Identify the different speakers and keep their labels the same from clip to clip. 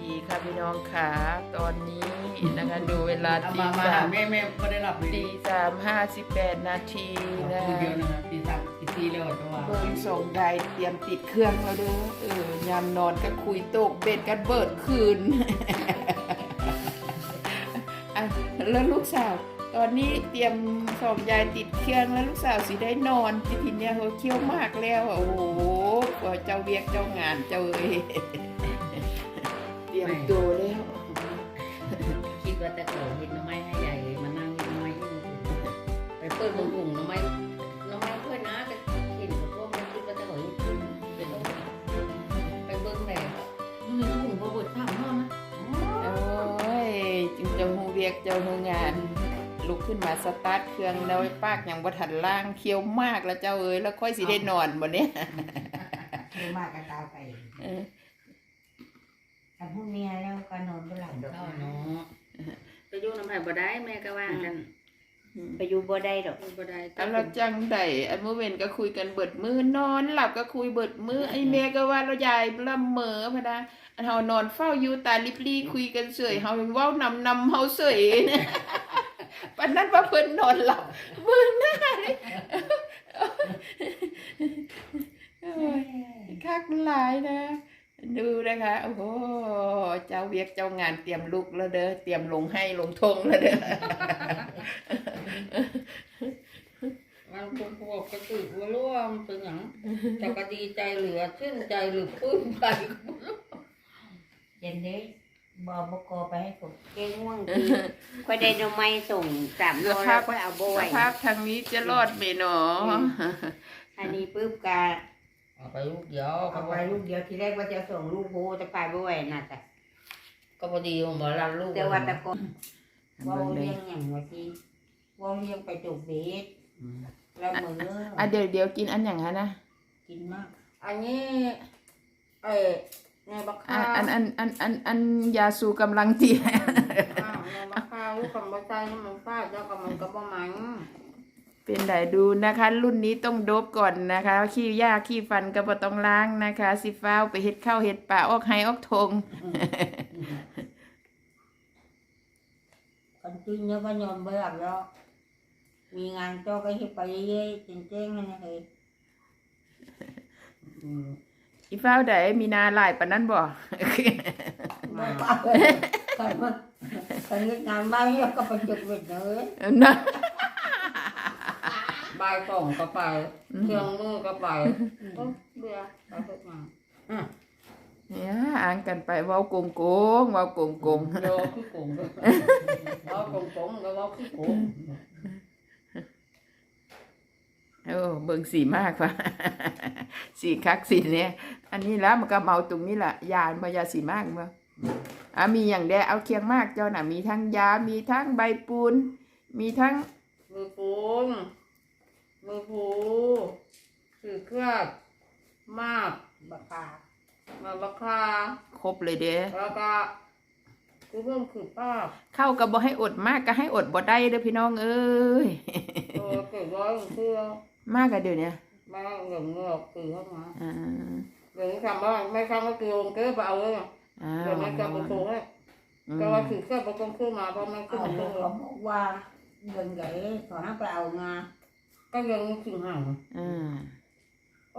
Speaker 1: ดีค่ะพี่น้องค่ะตอนนี้นะคะดูเวลาตี
Speaker 2: มา
Speaker 1: สาม
Speaker 2: แม่ไม่ได้หลับเลย
Speaker 1: ตี3:58นะ
Speaker 2: คนเดียวนะครับตีสามตีสี่แล้วจังหวะ
Speaker 1: เบิ่งส่งยายเตรียมติดเครื่องแล้วเด้อยามนอนก็คุยโตกเบ็ดกันเบิดคืน อ่ะแล้วลูกสาวตอนนี้เตรียมส่งยายติดเครื่องแล้วลูกสาวสิได้นอนทีเนี้ยเขาเคี้ยวมากแล้วอ่ะโอ้โหกว่าเจ้าเวียกเจ้างานเจ้าเอ้ย เตรียมตัวแล้ว
Speaker 2: คิดว่าแต่ก่อนเห็นน้ำไม้ให้ใหญ่เลยมานั่งน้ำไม้ที่ไปเปิดมุงน้ำไม้เพื่อนนะแต่เห็นกับพวกมันคิดว่าแต่ก่อนเป็นต้องไปเบิ้งแหล่นี่ถุงพอเปิดถามพ่อนะ
Speaker 1: โอ้ยจึงเจ้าหูเวียกเจ้าหูงานลุกขึ้นมาสตาร์ทเครื่องแล้วปากอย่างบ่ทันล่างเคี้ยวมากแล้วเจ้าเอ้ยแล้วค่อยสิได้นอนบ่เนี่ย
Speaker 3: คือมากกันตาไปทำพวกเมียแล้วก็นอนบนหลัง
Speaker 2: เข้าเนาะไปยุ่งน้ำไผ่บ่ได้แม่ก็ว่ากัน
Speaker 3: ไปอยู่บ่ได้ดอก
Speaker 2: บ่ได้
Speaker 1: อันเราจังไดอันเมื่อเว้นก็คุยกันเบิดมื้อนอนหลับก็คุยเบิดมื้อไอ้แม่ก็ว่าเรายายละเมอพะนะอันเฮานอนเฝ้าอยู่ตาลิบลี่คุยกันเสยเฮาเว้านำเฮาเสยนะปานนั้นว่าเพิ่นนอนหลับเบิ่งหน้าเลยโอ้ยคักหลายนะดูนะคะโอ้โหเจ้าเวียกเจ้างานเตรียมลุกแล้วเด้อเตรียมลงให้ลงทงแล้วเด้อ
Speaker 2: มันคงพวกกระตือรือร้นเป็นหยังแต่ก็ดีใจเหลือชื่นใจหรือปลื้มใจ
Speaker 3: เย็นเด้บกไปให้ผมเก่งว่างดีค่อยได้ดอกไม้ส่ง3 โลแล้วค่อยเอาบ่ไว้
Speaker 1: สภาพทางนี้จะรอดไหมหนอ
Speaker 3: อันนี้ปึ๊บกะ
Speaker 2: เอาไปลูกเดียว
Speaker 3: เอาไว้ลูกเดียวทีแรกว่าจะส่งลูกโหจะไปบ่ไว้น่ะแต่
Speaker 2: ก็พอดีผมบอกรันลูก
Speaker 3: แต่ว่าตะกอนว่าเลี้ยงหยังว่าสิว่าเลี้ยงไปจุกเบ็ดแล้วมื้อ
Speaker 1: อ่ะเดี๋ยวกินอันอย่างฮะนะ
Speaker 3: กินมาก
Speaker 2: อันนี้ในบัก
Speaker 1: อ่ะ
Speaker 2: ข้าว
Speaker 1: อันยาสูกำลังตี
Speaker 2: ในบักข้าวลูกกับบักใจนี่มันฟาดแล้วก็มันก็บ่มัน
Speaker 1: เป็นไดดูนะคะ รุ่นนี้ต้องโดบก่อนนะคะขี้ยาขี้ฟันก็บ่ต้องล้างนะคะสิฟ้าวไปเฮ็ดข้าวเฮ็ดปลาออกไห้ออกทง
Speaker 3: กันจริงเนี่ยก็ยอมเบื่อแล้วมีงานก็เฮ็ดไปเรื่อยๆจริงๆนั่นเอง
Speaker 1: อีฟ้าวใดมีนาหลายปานนั้นบ่
Speaker 3: ไม่ป้าไปงานบ้านเนี่ยก็ไปจุดเบ็ดเลย
Speaker 1: นะ
Speaker 2: ใบายกล่องก็ไปเครื่องมือก็ไปเบื่อไปทุกอย่าง
Speaker 1: เนี่ยอ่านกันไปเว้าโกงเว้าโกง
Speaker 2: โยขี้โกงด้วยเราโกงก็เราขี้โกง
Speaker 1: โอ้เบิ่งสีมากว่ะ สีคักสีเนี่ยอันนี้แล้วมันก็เมาตรงนี้แหละยาบายาสีมากมั้งมีอย่างแดเอาเคียงมากเจ้าน่ะมีทั้งยามีทั้งใบปูนมีทั้ง
Speaker 2: มือปูนมือผูสื่อเคลือบมาก
Speaker 3: บักคา
Speaker 2: มาบักคา
Speaker 1: ครบเลยเด้
Speaker 2: แล้วก็คือเพิ่มคือป้า
Speaker 1: เข้ากับบ่ให้อดมากก็ให้อดบ่ได้เด้อพี่น้องเอ้ย
Speaker 2: เกิดร้อยเพื่อ
Speaker 1: มากกันเดี๋ยวนี้
Speaker 2: มาเหงือกเหงือกคือเข้ามา
Speaker 1: อ่า
Speaker 2: เดี๋ยวนี้ทำว่าไม่ทำก็คือเกิดเอาเลยเดี๋ยวนี้จะประตูให้ก็ว่าคือเครื่องประตูขึ้นมาเพราะมันขึ้น
Speaker 3: เอา
Speaker 2: มา
Speaker 3: เขาบอกว่าเงินไงขอให้ไปเอางา
Speaker 2: ก็ยังถึงห่าง
Speaker 1: อ่า
Speaker 2: โอ้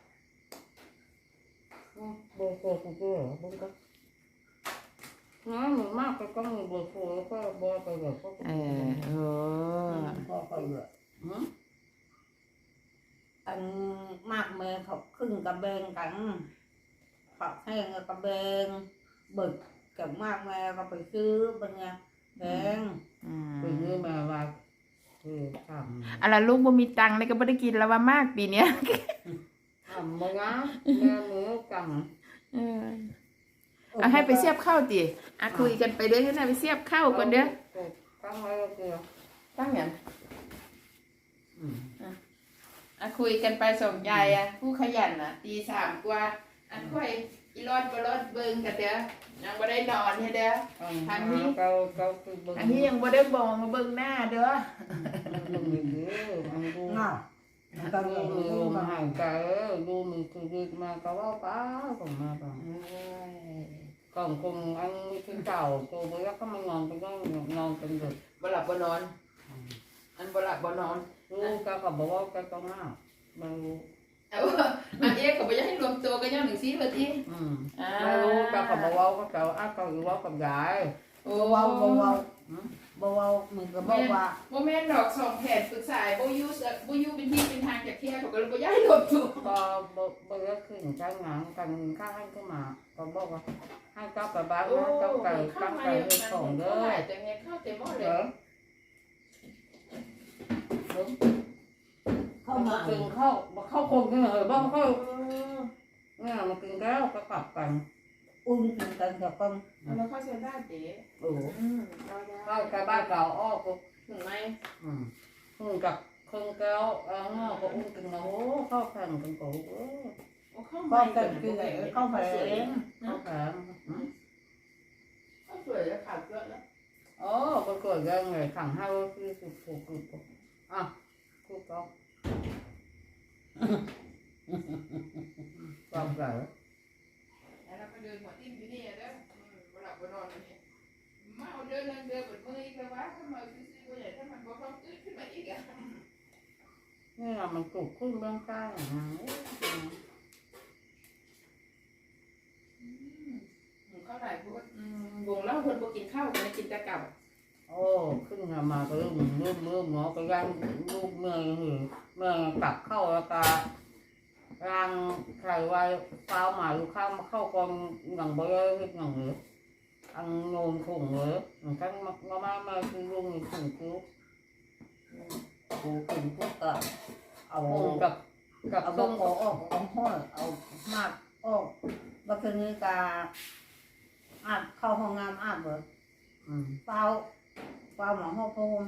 Speaker 2: โบโฟกูเกอร์บุ้งก็งานหนูมากไปก็มีโบโฟแล้วก็โบไปแบบก็
Speaker 1: โอ้
Speaker 3: พ่อก็เยอะอันมากเมย์เขาขึ้นกับเบงกันผักแห้งกับเบงบึกกับมากเมย์ก็ไปซื้อเป็นไงแพง
Speaker 2: ไปยืมมาว่าคือท
Speaker 1: อะไรลูกบ่มีตังค์เลยก็บ่ได้กินแล้วว่ามากปีเนี้ย
Speaker 2: ำมานะแม่มือกัง
Speaker 1: เอาให้ไปเสียบข้าวติคุยกันไปเด้อนะไปเสียบข้าวก่อนเด้อ
Speaker 2: ตั้งไว้ก็คือ
Speaker 1: ตั้งหยังคุยกันไปส่งยายผู้ขยันตี3กว่าค่อยอีรอดบ่รอดเบิ่งกันเด้อยังบ่ได้นอนให้เด้อ
Speaker 2: ทางนี้ก็คือบึ้ง
Speaker 1: อันนี้ยังบ่ได้บอกมาเบิ่งหน้าเด้อ
Speaker 2: บึ้งเด้อมันดู
Speaker 3: เงาตอน
Speaker 2: ดู
Speaker 3: นี้
Speaker 2: มือมาห่างไกลดูมือคือดึกมาก็ว่าป้าผมมาป้าก็ก่อนคงอันมีขึ้นเก่าตัวเมื่อก็มานอนเป็นก็นอนเป็นเด็ก
Speaker 1: บ่หลับบ่นอน อันบ่หลับบ่นอน
Speaker 2: รู้ก็ก็บอกว่าก็ต้องห้าไม่รู้
Speaker 1: เอาอันเอ๊ะก็บ่อยากให้รวมตัวกันย้อนหนึ่งซี่ว่าติ
Speaker 2: ไม่รู้ก็ก็บอกว่าก็เก่าก็อยู่ว่ากับยาย
Speaker 1: โอ้
Speaker 3: เบาเบาเบาเบาเบามึงก็บอกว่า
Speaker 1: บ่แม่นดอกสองแผนปรึกษาบ่อยู่เป็นที่เป็นทางจากเที่ยเขาก็เลยบ่อยากให้รวมตัว
Speaker 2: ก็เบื่อขึ้นใช้งานกันข้าให้ขึ้นมาก็บอกว่าให้เจ้าไปบ้าน
Speaker 1: โอ้
Speaker 2: นะเจ้าไก่
Speaker 1: เข้า
Speaker 2: ตั้ง
Speaker 1: มา
Speaker 2: ใจ
Speaker 1: เยอะ
Speaker 2: ให้ของเด้อ
Speaker 1: แต่ไงเข้าเต็มหม้อเล
Speaker 2: เด้
Speaker 1: ย
Speaker 2: อ
Speaker 3: เข้ามา
Speaker 2: กินข้าวเข้าคงกันเลยบ้างเข้าเนี่ยมากินแล้วก็กลับกัน
Speaker 3: อุ้มกินกันกับก
Speaker 1: แล้วเข้าเซ็นได้เจ๊
Speaker 2: โอ้
Speaker 1: เราได้
Speaker 2: เข้าใกล้บ้านเก่าอ้อก็
Speaker 1: ถึงไหม
Speaker 2: กับเครื่องแก้วอ้อก็อุ้มกินนะโอ้เข้าแข่งกันโอ้
Speaker 1: เข้า
Speaker 3: ก็
Speaker 1: มา
Speaker 3: กันกินไหนเข้าไปเอง
Speaker 2: เข้าแข่ง
Speaker 1: เข้าสวยแล้วขาดเยอะแล้ว
Speaker 2: อ๋อก็เกิดยังไงขังให้คือถูกอ่ะถูกต้องความเก่า
Speaker 1: แล้วก็เดินหัวติ้มอยู่นี่แล้วหลับบ่นอนนี่มาเอาเดินเดินบนมืออีกแล้ววะถ้ามาซื้อๆบ่ใหญ่ถ้ามันบ่เข้าตื้นขึ้นมาอีกอ่ะ
Speaker 2: นี่là mình cụcขึ้นเบื้องใต้นะ
Speaker 1: เข้าได้พวกวงเล่าคนบ่กินข้าวกันกินแต่เก่า
Speaker 2: โอ้ขึ้นมาก็เริ่มเนาะก็ยังลูกเมื่อยหือเมื่อยกลับเข้าแล้วก็ร่างใครไว้เปล่าหมายลูกข้าวมาเข้ากองหนังเบอร์เฮ็ดหนังเหรออันโนมถุงเหรอทั้งมาคือลุงนี่ถุงคิ้ว
Speaker 3: กูกินพวกก็เอา
Speaker 2: กับ
Speaker 3: เอา
Speaker 2: ต้
Speaker 3: บ
Speaker 2: ม
Speaker 3: กออกของห้อยเอามากออกบักนี้กาอาบเข้าห้องน้ำอาบเบอเปล่าหมอห้องพง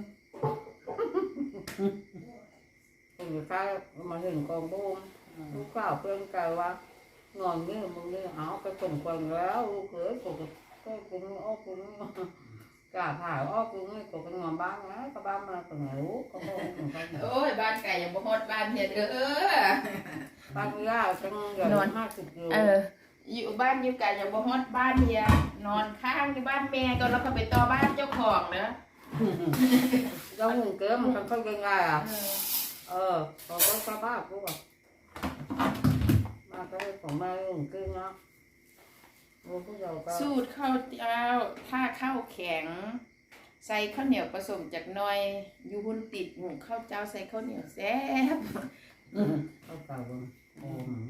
Speaker 2: คือข้ามาถึงกองบูมลูกข้าวเพื่อนกายว่านอนนี่มึงนี่เอาไปส่งคนแล้วลูกเขยกูก็กูอ้อกูกาผ่าอ้อกูนี่กูเป็นงอนบ้านนะก็บ้านมาตรงไหนรู้ก็บ้านถึงกัน
Speaker 1: โอ้ยบ้านไก่ยังบ่ฮอดบ้านเฮ็ดเด้อ
Speaker 2: บ้านย่าจังใหญ่50 กิโล
Speaker 1: อยู่บ้านอยู่ไก่ยังบ่ฮอดบ้านเฮียนอนข้างที่บ้านแม่ก็แล้วก็ไปต่อบ้านเจ้าของเด้อ
Speaker 2: เราหุ่นเกิมมันค่อยๆง่ายอ่ะเขาก็สบายกูอ่ะมาก็ของแม่หุ่นเกิมเนาะโอ้พวกเราก็
Speaker 1: สูตรข้าวเจ้าถ้าข้าวแข็ง ใส่ข้าวเหนียวผสมจากหน่อยอยู่หุ่นติดหุงข้าวเจ้าใส่ข้าวเหนียวแซ่บ
Speaker 2: เข้าเก่าโอ้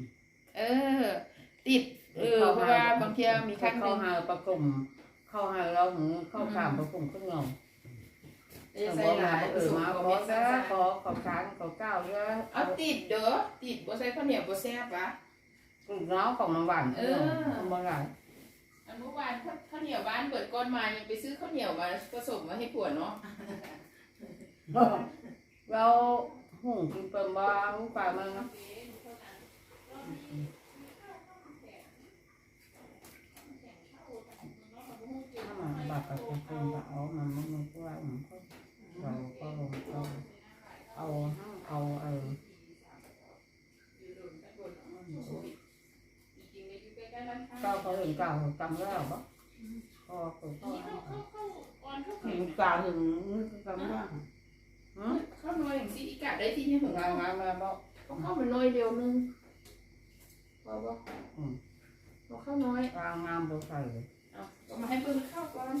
Speaker 1: ติดเพราะว่าบางทีมีครั้งห
Speaker 2: เข้า
Speaker 1: นึ่ง
Speaker 2: หาประกมเข้าหาเราหือเข้าถามประกมขึ้นเงา
Speaker 1: ใส่หลายผสม
Speaker 2: มา
Speaker 1: กับ
Speaker 2: ขอ
Speaker 1: เม็ด
Speaker 2: แซ่
Speaker 1: ซ่า
Speaker 2: ขอช้างขอก้าวเยอะ
Speaker 1: เอาติดเด้อติดบ่ใส่ข้าวเหนียวบ่แซ่บวะ
Speaker 2: กลุ่มน้องของมันหวานมันหวาน
Speaker 1: อันเมื่อวานข้าวเหนียวบ้านเปิดก้อนมายังไปซื้อข้าวเหนียวมาผสมมาให้ผัวเนาะ
Speaker 2: เราหุ่นกินเป็นบ้าลูกปลามันนะถ้ามันบาดกับคนเอามันไม่มีตัวเราก็ลงเอาเขาเห็นเก่าจำแล้วปะก็คือ
Speaker 3: หิวกาถึงกันว่า
Speaker 1: ข้าวน้อยอย่างซีอีกะได้ที่นี่เหมือน
Speaker 2: งา
Speaker 1: กัน
Speaker 2: นมาบอก
Speaker 1: ข้าวมันน้อยเดียวนึงบอกข้าวน้อย
Speaker 2: งามตัวใส่
Speaker 1: เอามาให้เพิ่งข้าวก่อน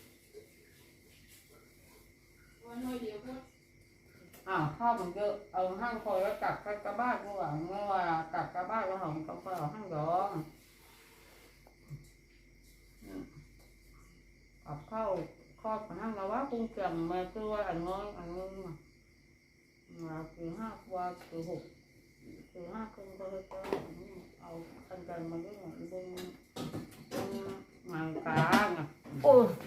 Speaker 1: วันน้อยเดียวก็
Speaker 2: ข้าวมันเยอะเอาห้างคอยแล้วกัดกระบ้ากูหวังเมื่อว่ากัดกระบ้าแล้วหอมกับข้าวห้างดองกับข้าวครอบห้างเราว่ากุ้งเกลือมาตัวอันน้อยคือ5 ว่าคือ6คือ5คนก็เลยเอาคันกันมาด้วยบนงานกลางอ่ะ
Speaker 3: โอ้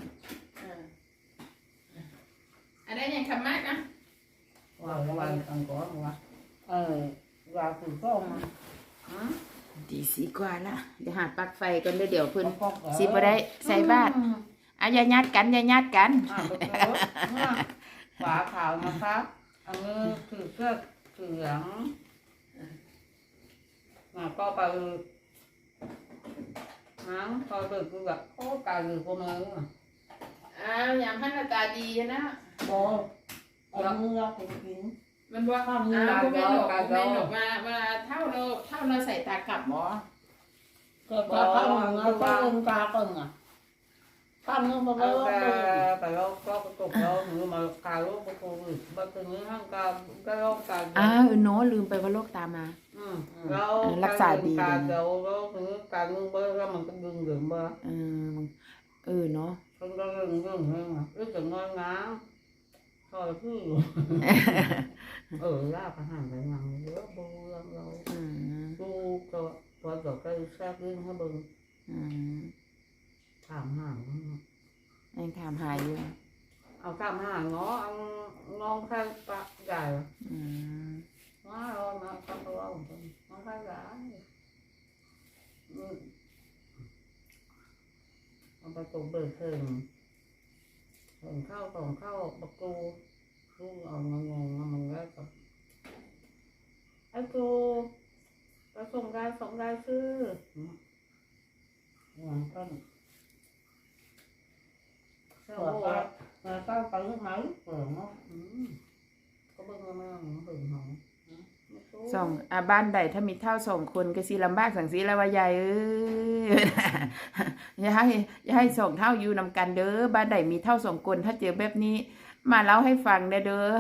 Speaker 1: อันนั้นยังคำมากนะ
Speaker 2: ว่ากันก่อนว่า
Speaker 3: ว่าคือฟ้อง
Speaker 1: ตี4 กว่าละเดี๋ยวหาปลั๊กไฟกันเดี๋ยวเพิ่นสิบ่ได้ใส่บ้านอย่าญาติกัน
Speaker 2: ฝาขาวนะครับอันนี้คือเสื้อเหลืองก็ไปน้ำคอยเบิกกูแบบโอ้กายอยู่กูมา
Speaker 1: อ้าวยามพันหน้าตาดีนะ
Speaker 3: บ่เอามือเราไปกิน
Speaker 1: มันว่า
Speaker 3: ข้าวมื
Speaker 1: อ้า
Speaker 3: อ
Speaker 1: วบ่แม่นหรอกบ่แม่นหรอกว่าเท่าเราใส่ตากลับหมอ
Speaker 3: ก็ข้าวมือเราก็ลงตาก่อนอ่ะข้าวมือบ่
Speaker 2: เอา
Speaker 3: บ่
Speaker 2: แต่
Speaker 3: บ่
Speaker 2: ไปเราก็ตกเราหรือมากายลูกกูบัดนี้ห้างกาก็โรคกา
Speaker 1: เนาะลืมไปว่าโรคตามมา
Speaker 2: เรา
Speaker 1: รักษาดี
Speaker 2: กาเดี๋ยวเราถือการมึงเบอร์แล้วมันก็ดึงดึงเบอร์
Speaker 1: เนาะ
Speaker 2: คนก็ดึงดึงให้มาเรื่องจะงอนง้างคอยพี่ลากอาหารไปงานเยอะบูเราดูก็พอจบก็แทรกดึงให้บึงถามหาง
Speaker 1: ยังถามหายอยู่
Speaker 2: เอาถามหางง้อเอาน้องแค่ปะใหญ่ว้าเรามาทำตัวน้องแค่ใหญ่เอาไปตกเบิกเถิงเข้าของเข้าประตูลูกเอางงมันก็แบบไอ้กูเราส่งได้ชื่อหวังต้นเจ้าโอ้ก็ไปลูกไม้เปิดเนาะก็เบิ่งมาเบิ่งหอม
Speaker 1: สองบ้านใดถ้ามีเท่า2 คนก็สิลำบากสังสีแล้วว่ายายอย่าให้2 เท่าอยู่นำกันเด้อบ้านใดมีเท่า2 คนถ้าเจอแบบนี้มาเล่าให้ฟังเด้อ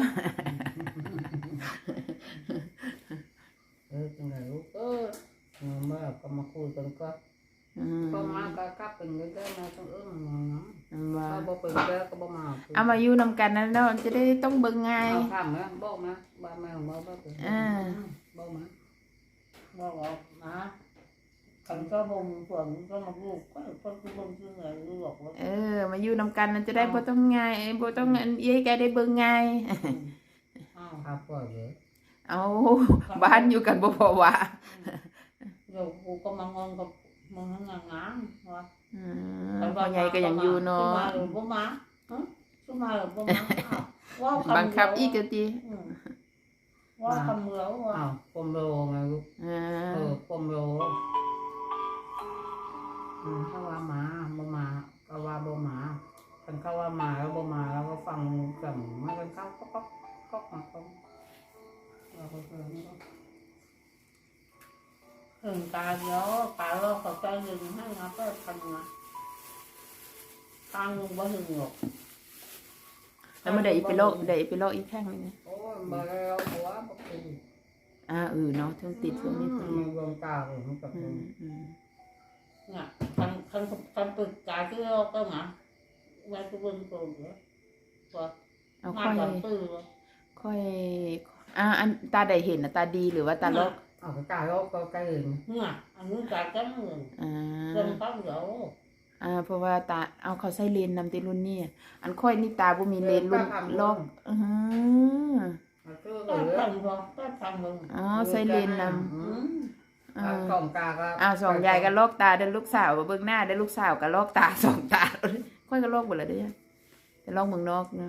Speaker 2: จังไงลูกเมื่อก็มาคุยกันก็มาก็กลับเป็นได้ๆนะต้องนะ
Speaker 1: ว่า
Speaker 2: ถ้าบ่เป็นได้ก็บ่มา
Speaker 1: เอามาอยู่นำกันนะเนาะจะได้ต้องเบิ่งไง
Speaker 2: เอาถามนะบอกนะบ้านแม่ของเราบอกบอกมา
Speaker 3: บ่บอกนะคันก็บ่มฝนก็มาลูกก็คือบ่ชื่อไงลูกบอกว่า
Speaker 1: มาอยู่นำกันจะได้บ่ต้องไงบ่ต้องเย้แกได้เบิ่งไง
Speaker 2: ครับปล่อยเลย
Speaker 1: เอาบ้านอยู่กันบ่พอว่า
Speaker 3: เดี๋ยวกูก็มางอนกับมึงงานว่า
Speaker 1: พ่อใหญ่ก็ยังอยู่เนาะ
Speaker 3: มาหรือบ่มาซุมาหรือบ่มาว่า
Speaker 1: บังคับอีกติ
Speaker 3: ว่าคำเมือว่า
Speaker 2: ปมโลไงลูกปมโลถ้าว่ามาบ่มาก็ว่าบ่มาคันเขาว่ามาแล้วบ่มาแล้วก็ฟังกับมากันเขาก็มาเขาเราก็เพิ่น
Speaker 3: ตาเยอะตาเราเขาใจหนึ่งให้นะก็ทำนะทางบ่ถึงหรอก
Speaker 1: แล้วมาได้อีโลอีกแข้งนึง
Speaker 2: โอ้ยมาแล้วหัวบ่คือ
Speaker 1: เนาะทั้งติดช่วงนี้
Speaker 2: มันรวมตาเลยมันกับ
Speaker 3: เนี่ยคันปึกกาที่เราก็หมาไว้ทุกคนโกรธเลยว่า
Speaker 1: เอา
Speaker 3: มา
Speaker 1: ค่อย
Speaker 3: แบบตื้อ
Speaker 1: อันตาใดเห็นตาดีหรือว่าตาลก
Speaker 2: เอาไปตาแล้วก็ใกล้อื่น
Speaker 3: เนี่ยอันนี้กาแก้มเงินเงินตั้งเดี๋ยว
Speaker 1: เพราะว่าตาเอาเขาใส่เลนนำติรุ่นนี่อันค่อยนี่ตาบ่มีเลนรุ่นลอก
Speaker 3: ก็ทำก็ทำมึง
Speaker 1: ใส่เลนน
Speaker 2: สองตาก็
Speaker 1: สองยายก็ลอกตาเด้อลูกสาวเบิ่งหน้าเด้อลูกสาวก็ลอกตา2 ตาค่อยก็ลอกหมดแล้วเด้อแต่ลอกเมืองนอกนะ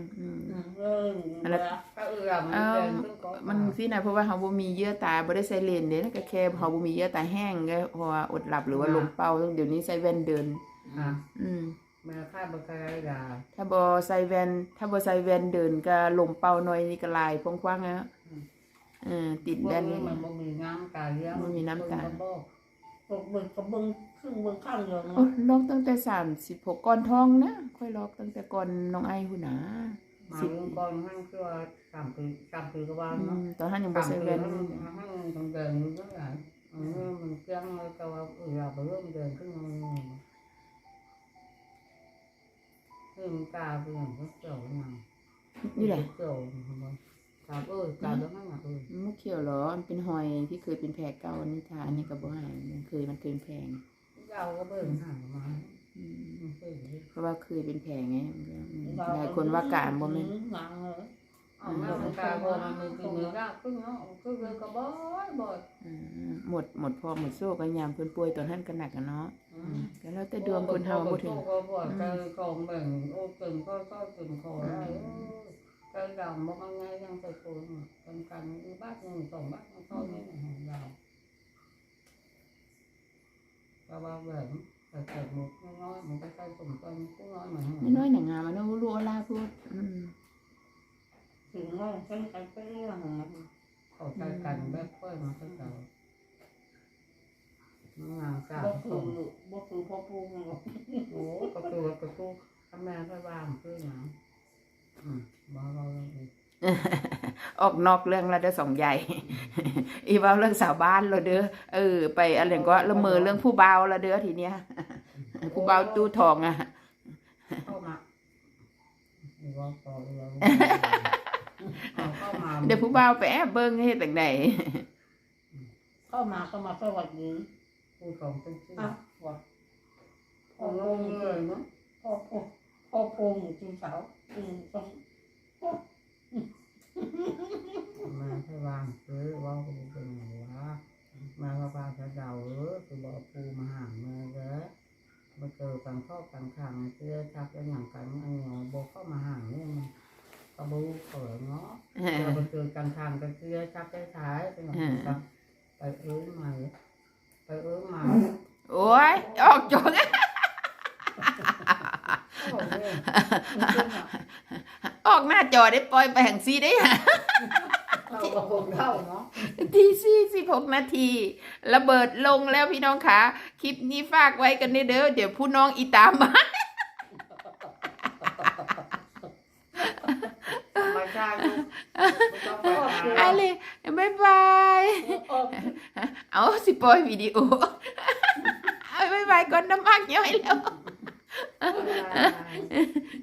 Speaker 1: มันสินะเพราะว่าเฮาบ่มีเยื่อตาบ่ได้ใส่เลนเด้ก็แค่เฮาบ่มีเยื่อตาแห้งก็เพราะว่าอดหลับหรือว่าลมเป่าเดี๋ยวนี้ใส่แว่นเดิน
Speaker 2: แม่ค่าบ่เคยด่า
Speaker 1: ถ้าบ่ใส่แว่นเดินก็ลมเป่าหน่อยนี่ก็ลายพวงๆนะติดแว่นนี่
Speaker 2: มันบ่มีน้ำตาเลี้ยง
Speaker 1: บ่มีน้ำตา
Speaker 3: ตกบึกกับบึงครึ่งบึงข้างเดียวเนาะ
Speaker 1: ลอกตั้งแต่36ก่อนท้องนะค่อยลอกตั้งแต่ก่อนน้องไอหุ่นนะ
Speaker 2: มาลุงก่อนให้คือว่า3 ปีก็ว่าเนาะ
Speaker 1: ตอนนั้นยังบ่ใส่แว่น
Speaker 2: ให้ต้องเดินอยู่จังได๋มันเพียงก็ว่าเราไปเริ่มเดินขึ้นมาตาเป็นอย่างก็เกี่ยวยัง
Speaker 1: นี่แหละ
Speaker 2: เกี่ยวตาตาแล้วนั่นน่ะ
Speaker 1: มันเขียวเหรอมันเป็นหอยที่เคยเป็นแผลเก่าอันนี้ทาอันนี้ก็บ่หายมันเคยแพง
Speaker 2: เราก็เบิ่งห่างมา
Speaker 1: เพราะว่าเคยเป็นแผลไงหลายคนว่ากามบ่แม่น
Speaker 2: เอามาตาบ่มันมีมือก็คือเนาะคือเรื่องก็บ่อย
Speaker 1: หมดพอหมดโซ่ก็ยามเพิ่นป่วยตอนนั้นก็หนักอ่ะเนาะก็แล้วแต่ดวงคนเฮาบ่ถึง
Speaker 2: ก็บ่ก็ของแบ่งโอ้ตึงก็ตึงขอได้ก็ดำบ่ง่ายยังไปโคนกันบ้านนึง2บ้านก็นี่เราก็ว่าแบบใส่หมกน้อยมันก็ใส่สมต้นน้อยมา
Speaker 1: ไม่น้อยหนังงามมันโอ้รัวลาพูด
Speaker 3: ถึงว่าฉันไปเรื่องของมัน
Speaker 2: เข้าใจกันแบบค่อยมาตั้งแต่งานกา
Speaker 3: บ่คือพ่อปูง
Speaker 2: โอ้กระตูทำแม่ก็ว่างเพื่อนนะบ้าเราเลย
Speaker 1: ออกนอกเรื่องแล้วเด้อสองใหญ่ อีเว้าเรื่องสาวบ้านเราเด้อไปอะไรก็ละเมอเรื่องผู้เบาละเด้อทีเนี้ยผู้เบาตู้ทองอ่ะ
Speaker 2: เข้ามาว่าต่อแล้วเข้ามา
Speaker 1: เดี๋ยวผู้เบาไปแอบเบิ่งเฮ็ดจังได๋
Speaker 3: เข้ามาก็มาสวัสดี
Speaker 2: ผู้สองเป็นชื่อ
Speaker 3: อ้าวว่า
Speaker 2: พ่อลงเลยเนาะ
Speaker 3: พ่อปูงจริงสาวต้อง
Speaker 2: มาให้วางซื้อว่าเป็นไงวะมาก็วางกระเดาคือบอกปูมาห่างมือเลยมาเจอกันข้อกันขังเชื่อชักเป็นอย่างกันอันนี้บอกเข้ามาห่างนี่มันกระบูเปิดเนาะมาเจอกันทางกันเชื่อชักได้ท้ายเป็นอย่างกันไปใหม่ไปใหม่
Speaker 1: โอ้ยออกจกออกหน้าจอได้ปล่อยไปแห่งซีได้ฮะ
Speaker 2: เข้ากับคนเข้าเนาะ
Speaker 1: ที16 นาทีระเบิดลงแล้วพี่น้องคะคลิปนี้ฝากไว้กันเด้อเดี๋ยวผู้น้องอีตามมา
Speaker 2: มาใช่
Speaker 1: อะไรบ๊ายบายเอาสิปล่อยวิดีโอเอาบ๊ายบายก่อนน้ำมักย่อยแล้ว